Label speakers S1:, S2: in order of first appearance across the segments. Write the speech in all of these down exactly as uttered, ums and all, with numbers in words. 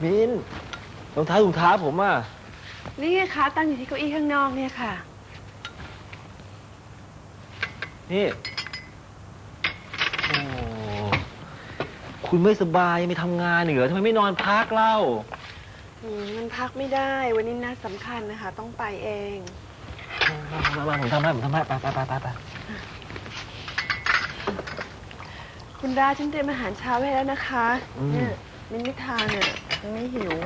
S1: มินรองเท้าถุงเท้าผมอ่ะ
S2: นี่ไงคะตั้งอยู่ที่เก้าอี้ข้างนอกเนี่ยค่ะ
S1: นี่โอ้คุณไม่สบายไม่ทำงานเหรอทำไมไม่นอนพักเล่า
S2: อืมมันพักไม่ได้วันนี้นัดสำคัญนะคะต้องไปเอง
S1: มามาผมทำให้ผมทำให้ไปไปไปไปไป
S2: คุณดาฉันเตรียมอาหารเช้าไว้แล้วนะคะเนี่ยมินไม่ทานเนี่ยมันไม่หิว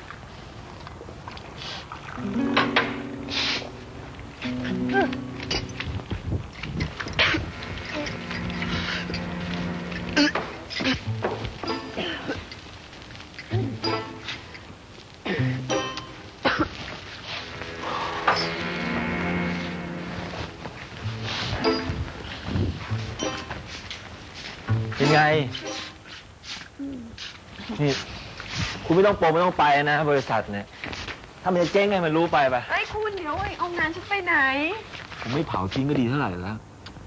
S1: เป็นไงนี่คุณไม่ต้องโปรไม่ต้องไปนะบริษัทเนี่ยถ้ามันจะเจ๊งไงมันรู้ไปไป
S2: เฮ้ยคุณเดี๋ยวไอ้เอางานฉันไปไหน
S1: ผมไม่เผาทิ้งก็ดีเท่าไหร่แล้ว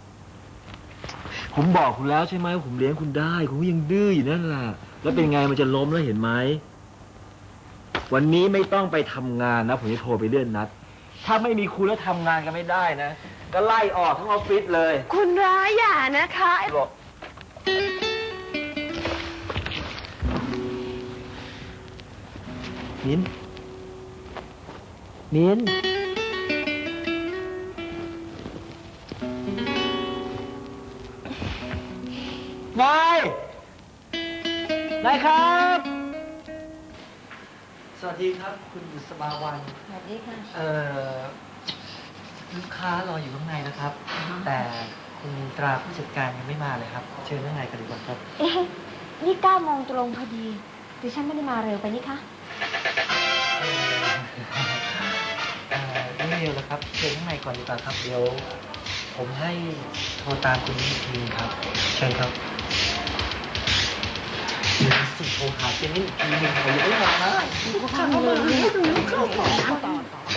S1: ผมบอกคุณแล้วใช่ไหมผมเลี้ยงคุณได้คุณก็ยังดื้ออยู่นั่นแหละแล้วเป็นไงมันจะล้มแล้วเห็นไหมวันนี้ไม่ต้องไปทำงานนะผมจะโทรไปเลื่อนนัดถ้าไม่มีคุณแล้วทำงานกันไม่ได้นะก็ไล่ออกทั้งออฟฟิศเลย
S2: คุณร้ายอย่านะคะ
S1: บอกมิ้นมิ้นนายนายครับสวัสดีครับคุณบุษบาวัน
S3: สวัสดีค่ะ
S1: เอ่อลูกค้ารออยู่ข้างในนะครับแต่คุณตราผู้จัดการยังไม่มาเลยครับเชิญข้างในกันดีกว่าครับ
S3: เอ๊ะนี่เก้าโมงตรงพอดีดิฉันไม่ได้มาเร็วไปนี่คะ
S1: เอ่อไม่เร็วแล้วครับเชิญข้างในก่อนดีกว่าครับเดี๋ยวผมให้โทรตามคุณอีกทีครับเชิญครับเดี๋ยวสิโทรหาเจนนี่อีกทีหนึ่งผมยังไม่มานะ
S2: ข้างเลยเข้าต่อเข้าต่อ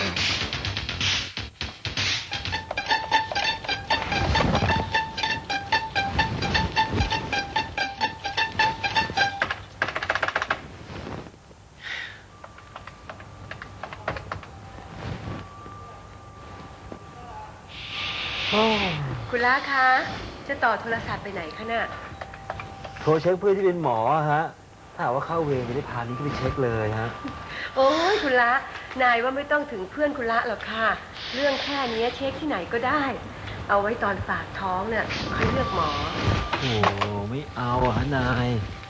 S2: คุณล้าคะจะต่อโทรศัพท์ไปไหนคะน่ะ
S1: โทรเช็คเพื่อนที่เป็นหมอฮะถ้าหากว่าเข้าเวรจะได้พานี้ก็ไปเช็คเลยฮะ
S2: โอ้ยคุณละนายว่าไม่ต้องถึงเพื่อนคุณละหรอกค่ะเรื่องแค่นี้เช็คที่ไหนก็ได้เอาไว้ตอนฝากท้องเนี่ยค่อยเลือกหมอ
S1: โอ้ไม่เอาฮะนาย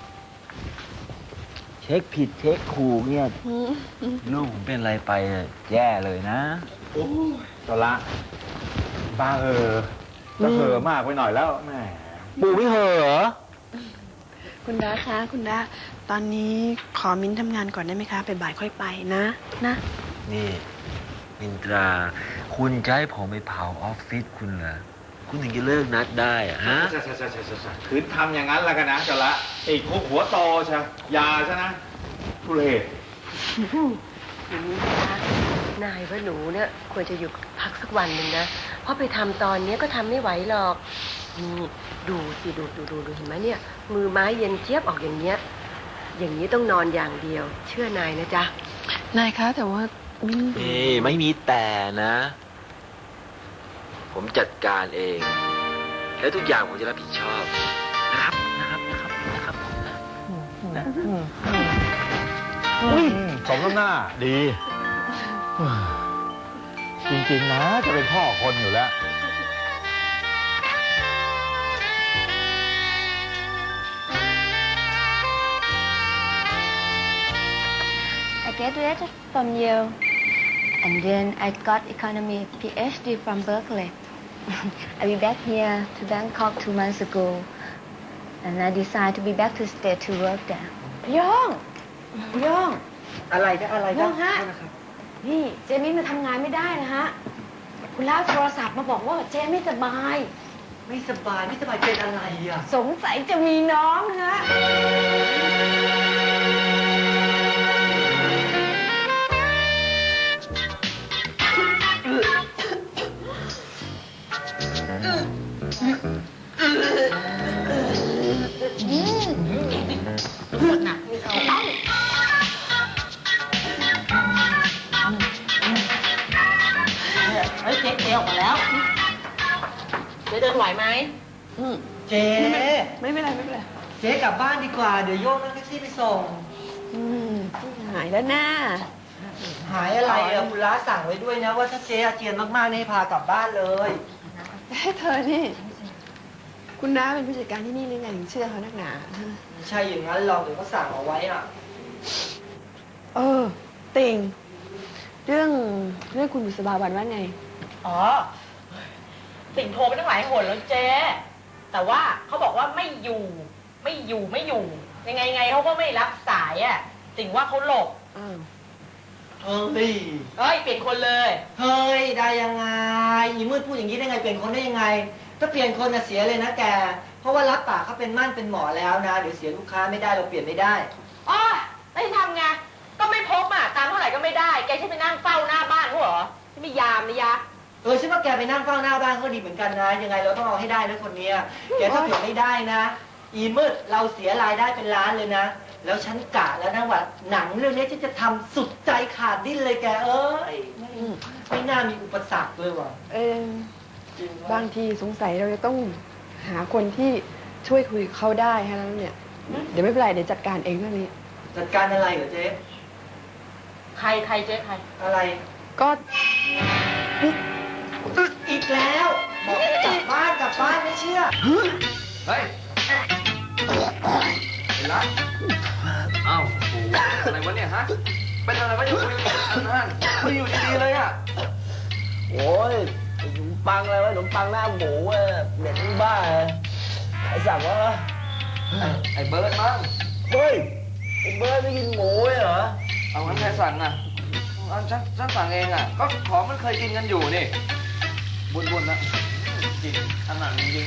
S1: เช็คผิดเช็คขู่เนี่ยลูกผมเป็นอะไรไปแย่เลยนะ
S4: โอ้ตัวละบ้าเออจะเห่อมากไปหน่อยแล้วแม่
S1: ปู่ไม่เห่อเหรอ
S2: คุณดาคะคุณดาตอนนี้ขอมิ้นทำงานก่อนได้ไหมคะไปบ่ายค่อยไปนะนะ
S1: นี่มินตราคุณจะให้ผมไปเผาออฟฟิศคุณเหรอคุณถึงจะเลิกนัดได้อะฮะ
S4: ใช่ใช่ใช่ใช่ใช่คืนทำอย่างนั้นแล้วกันนะตัวละอีกคุกหัวโตใช่ยาใช่นะทุเรศ
S2: อย่างนี้นะคะนายว่าหนูเนี่ยควรจะอยู่พักสักวันหนึ่งนะเพราะไปทำตอนนี้ก็ทำไม่ไหวหรอกนี่ดูสิดูดูดูดูเห็นไหมเนี่ยมือไม้เย็นเจี๊ยบออกอย่างเงี้ยอย่างนี้ต้องนอนอย่างเดียวเชื่อนายนะจ๊ะนายคะแต่ว่า
S1: นี่ไม่มีแต่นะผมจัดการเองแล้วทุกอย่างผมจะรับผิดชอบนะครับนะครับนะครับนะครับ
S4: สมน้ำหน้าดีจริงๆนะจะเป็นพ่อคนอยู่แล้ว
S3: I graduated from Yale and then I got economy PhD from Berkeley I be back here to Bangkok two months ago and I decided to be back to state to work there
S2: ย่องย่อง
S1: อะไรนะอะไรนะ
S2: ย่องฮะนี่เจมี่มาทำงานไม่ได้นะฮะคุณล่าโทรศัพท์มาบอกว่าเจไม่สบาย
S1: ไม่สบายไม่สบายเป็นอะไรอ่ะ
S2: สงสัยจะมีน้องฮะ
S3: หนักไม่เอา
S2: ไหวไหม
S5: อืม
S6: เจ๊
S5: ไม่เป็นไรไม่เป็นไร
S6: เจ๊กลับบ้านดีกว่า เดี๋ยวโยกนั่งแท็กซี่ไปส่ง
S5: อืมหายแล้วนะ
S6: หายอะไรอะคุณล้าสั่งไว้ด้วยนะ ว่าถ้าเจ๊อาเจียนมากๆนี่ให้พากลับบ้านเลย
S5: ให้เธอนี่ คุณน้าเป็นผู้จัดการที่นี่หรือไงถึงเชื่อเขานักหนา
S6: ไม่ใช่อย่างนั้นหรอกเดี๋ยวเขาสั่งเอาไว้อะ
S5: เออ ติง เรื่องเรื่องคุณบุษบาวันว่าไง
S7: อ๋อ ติ่งโทรไปตั้งหลายหนแล้วเจ๊ แต่ว่าเขาบอกว่าไม่อยู่ ไม่อยู่ ไม่อยู่ ยังไงไงเขาก็ไม่รับสายอ่ะ ติ่งว่าเขาหลบ
S5: อ้าว
S6: เฮ้ย
S7: เอ้ย เปลี่ยนคนเลย
S6: เฮ้ย ได้ยังไงอีมืดพูดอย่างนี้ได้ไง เปลี่ยนคนได้ยังไง ถ้าเปลี่ยนคนน่ะเสียเลยนะแก เพราะว่ารับปากเขาเป็นมั่นเป็นหมอแล้วนะ เดี๋ยวเสียลูกค้าไม่ได้เราเปลี่ยนไม่ได้
S7: อ๋อแล้วจะทำไง ก็ไม่พบอ่ะ ตามเท่าไหร่ก็ไม่ได้ แกใช่ไปนั่งเฝ้าหน้าบ้านเขาเหรอที่ไม่ยามนะยะ
S6: เออฉันว่าแกไปนั่งเฝ้าหน้าบ้านก็ดีเหมือนกันนะ ยังไงเราต้องเอาให้ได้นะคนเนี้ยแกถ้าเปลี่ยนไม่ได้นะ อีมืดเราเสียรายได้เป็นล้านเลยนะ แล้วฉันกะแล้วนะว่าหนังเรื่องนี้ฉันจะทำสุดใจขาดดิ้นเลยแกเอ้ยไม่ไม่น่ามีอุปสรรคเลยว่ะ
S5: เออบางทีสงสัยเราจะต้องหาคนที่ช่วยคุยกับเขาได้ฮะแล้วเนี่ย เดี๋ยวไม่เป็นไรเดี๋ยวจัดการเองเรื่องนี้
S6: จัดการอะไรเหรอเจ๊
S7: ใครใครเจ๊ใคร
S6: อะไร
S5: ก็
S6: อึกอีกแล้วบอกให้กลับบ้านกลับบ้านไม่เชื่อ
S4: เฮ้ยเห็นละอ้าวโอ้โหอะไรวะเนี่ยฮะ เป็นอะไรวะอยู่อันนั้นคุยอยู่ดีๆเลยอ่ะ
S1: โอ้ยขนมปังอะไรวะขนมปังหน้าหมูอ่ะเหม็นบ้าใครสั่งวะ
S4: ไอ้เบิร์ดมั้ง
S1: เฮ้ยไอ้เบิร์ดไม่กินหมูเลยเหรอ
S4: เอางั้นใครสั่งอ่ะอันฉันฉันสั่งเองอ่ะ ก็ของมันเคยกินกันอยู่นี่ บุญๆนะกินขนาดจริง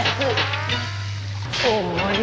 S1: โอ้ย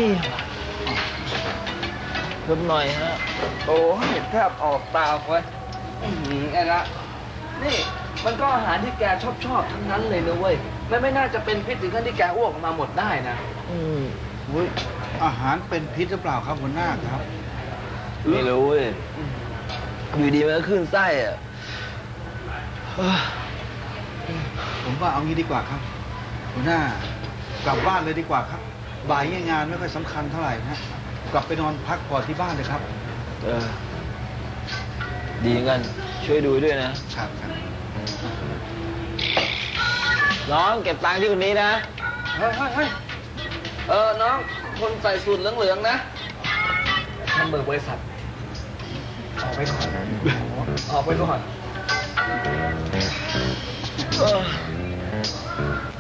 S1: เพิ่มหน่อยฮะ
S4: ๆโอ้ยแทบออกตาเว้ยอื้อหือไอ้ละ นี่มันก็อาหารที่แกชอบชอบๆทั้งนั้นเลยนะเว้ยไม่ไม่น่าจะเป็นพิษถึงขั้นที่แกอ้วกออกมาหมดได้นะ
S1: อืมอุ้ย
S8: อาหารเป็นพิษหรือเปล่าครับหัวหน้าครับ
S1: ไม่รู้เว้ยอยู่ดีมันก็ขึ้นไส้อ่ะเฮ้ย
S8: ผมว่าเอางี้ดีกว่าครับหัวหน้ากลับบ้านเลยดีกว่าครับ บ่ายเนี่ยงานไม่ค่อยสำคัญเท่าไหร่นะกลับไปนอนพักผ่อนที่บ้านเลยครับ
S1: เออ ดีงั้นช่วยดูด้วยนะ
S8: ครับครับ
S1: น้องเก็บตังค์ที่คนนี้นะ
S4: เฮ้ยเฮ้ยเฮ้ยเออ น้อง คนใส่สูทเหลืองๆนะนั่นเบอร์บริษัท ออกไปก่อน ออกไปก่อน
S1: เออ